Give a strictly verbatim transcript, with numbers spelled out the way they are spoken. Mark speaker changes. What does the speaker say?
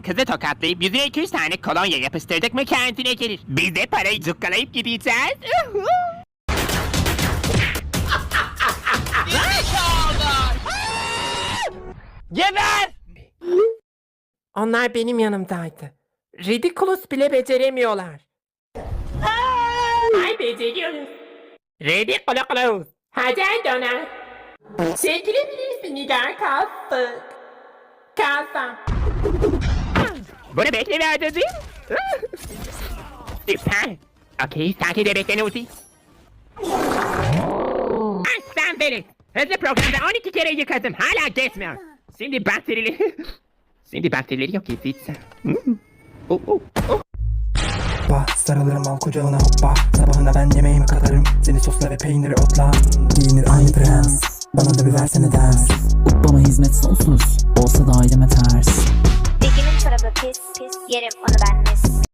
Speaker 1: kızı tokatlayıp yüzüne iki üç tane kolonya yapıştırdık mı kendine gelir. Biz de parayı cukkalayıp gideceğiz. Geber!
Speaker 2: Onlar benim yanımdaydı. Ridiculous bile beceremiyorlar. Ay beceriyoruz. Ridiculous. Hadi döner. Çekilebilirsin Nigar kalsın. Kalsın.
Speaker 1: Bunu beklemiyordu değil mi? Süper. Okey, takip de bekle Nuzi. Aslan beni. Hızlı programda on iki kere yıkadım. Hala geçmiyor. Şimdi bakterileri... Şimdi bakterileri yok edeceğim. Oh, oh, oh.
Speaker 3: Hoppa sarılırım al kucağına hoppa. Sabahına ben yemeğimi katarım. Seni sosla ve peyniri otla. Giyinir aynı prens. Bana da bir versene ders.
Speaker 4: Bana hizmet sonsuz. Olsa da aileme ters.
Speaker 5: Dikimin çorabı pis pis yerim onu ben mis.